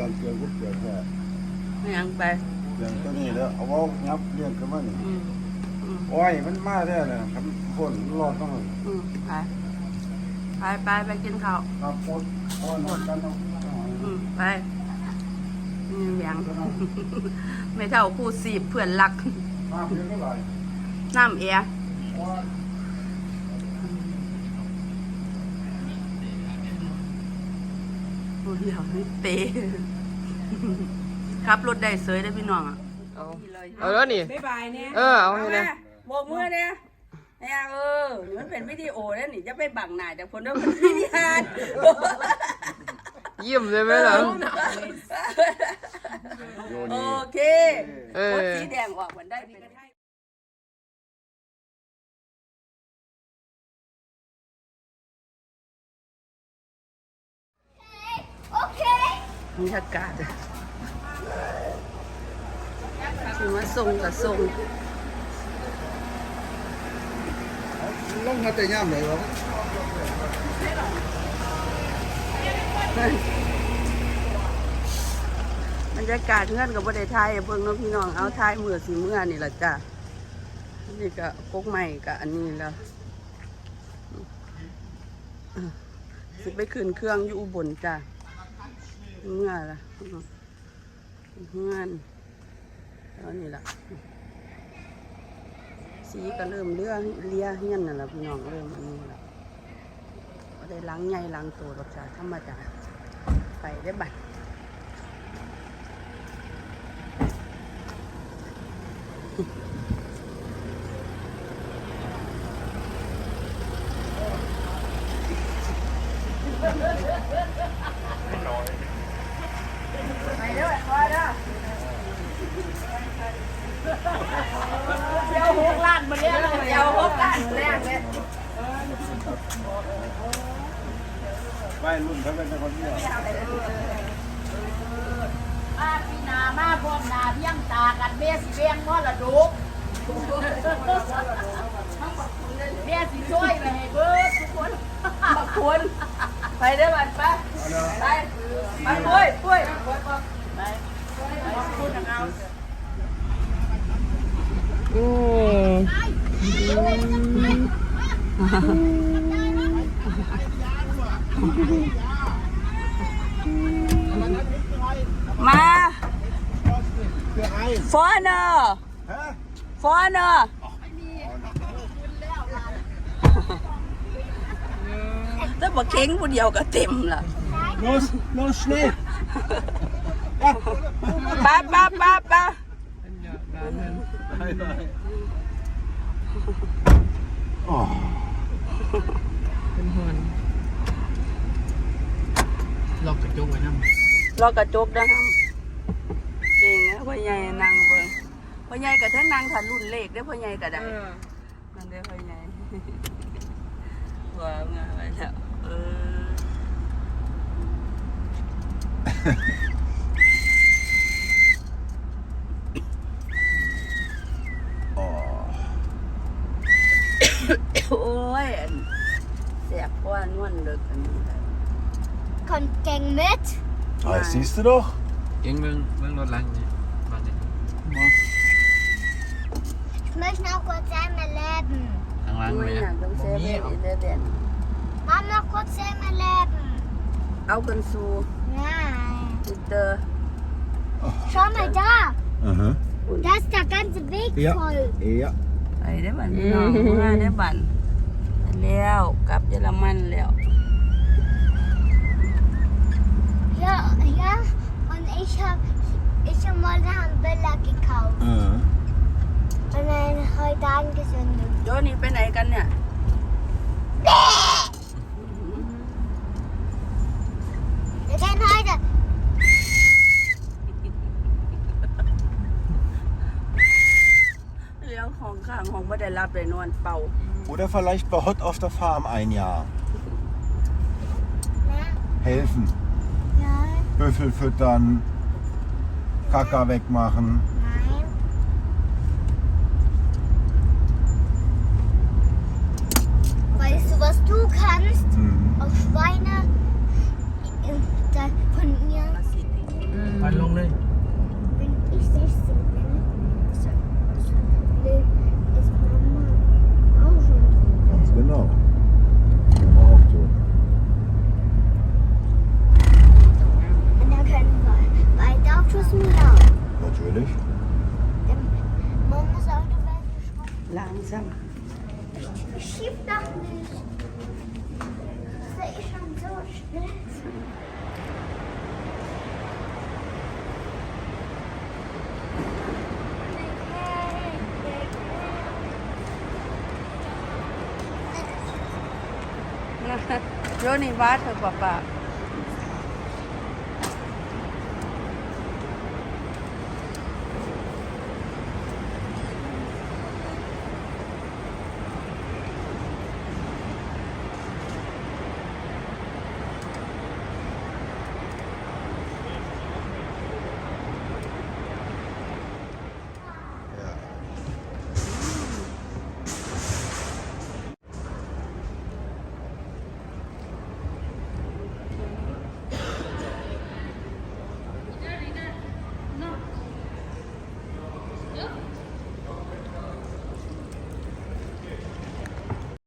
เกี่ยวกับเกี่ยวแค่ยังไปเรื่องตัวนี้แล้วเอาว่างับเรื่องกันมันโอ้ยมันมาแท้เลยครับคนรอดต้องไปกินข้าวครับคนกันต้องไปยังไม่เท่าคู่สีเพื่อนรักน้ำเยอะเท่าไหร่น้ำเอียเดี๋ยวเตะขับรถได้เสยได้พี่น้องอ่ะเอาแล้วนี่บ๊ายบายเนี่ยเอาให้เลยโบกมือเนี่ยนี่มันเป็นวิดีโอแล้วนี่จะไปบังหน้าจากคนด้วยมันวิดีโอยิ้มเลยไหมล่ะโอเครถสีแดงออกมันได้เป็นบรรยากาศถือว่าทรงกับทรงลงมาแต่ย่ำเลยหรอบรรยากาศเงื่อนกับประเทศไทยเพิ่งน้องพี่น้องเอาไทยเมื่อสีเมื่อนี่แหละจ้ะนี่ก็พกใหม่กับอันนี้แล้วสิไปขึ้นเครื่องอยู่อุบลจ้ะเมื่อละเงื่อนแล้วนี่ละสีก็เริ่มเลี้ยเฮี้ยนน่ะละพี่น้องเริ่มอันนี้ละก็ได้ล้างใหญ่ล้างตัวรสชาติธรรมดาไปได้บัดไปเด้อไปเด้อเดี๋ยว6 ล้านมาเลี้ยงเลยเดี๋ยว6 ล้านมาเลี้ยงเลยไม่รุ่นเขาเป็นคนเดียวปีนามาพร้อมนาเพียงตากันเมียสิเลี้ยงมรดกเมียสิช่วยไปให้เบิดทุกคนขอบคุณไปได้บัดไปไปปุ้ยไปขอบคุณเอามาฟอนเนอร์ถ้าบอกเค้งผู้เดียวก็เต็มละ los schnell ป้าเป็นหอนล็อกกระจกไว้นะรอกระจกนะครับเก่งนะพ่อใหญ่นั่งเบิ่งพ่อใหญ่กับทั้งนั่งถัดรุ่นเลขได้พ่อใหญ่ก็ได้นั่นได้พ่อใหญ่ว้าวงานไปแล้วโอ้ยแสบกว่านวลเลิกอันนี้ Kommt gegen mit? Das siehst du doch. เก่งเบิ่งรถลังนี่มาดิ Ich möchte auch kurz einmal leben. ทางลังไม่เลยอยากต้องเซฟเด่น Mama, kurz einmal leben. เอากันสู่ Nein. จิตเตอร์ Schau mal da. Aha. Da ist der ganze Weg voll. Ja. ไปได้บันพี่น้องมาได้บันแล้วกลับเยอรมันแล้ว Ja, und ich hab mal einen Bella gekauft. Und dann heute angezündet. โยนี่ไปไหนกันเนี่ย Wir gehen heute. เลี้ยงของข้างของไม่ได้รับเลยนวลเป่า Oder vielleicht bei Hot auf der Farm ein Jahr. Ja. Helfen. Ja. Büffel füttern, Kaka wegmachen. Nein. Weißt du, was du kannst? Auf Schweine von mir. ดี๋ยวนี้ว่าเธอป้า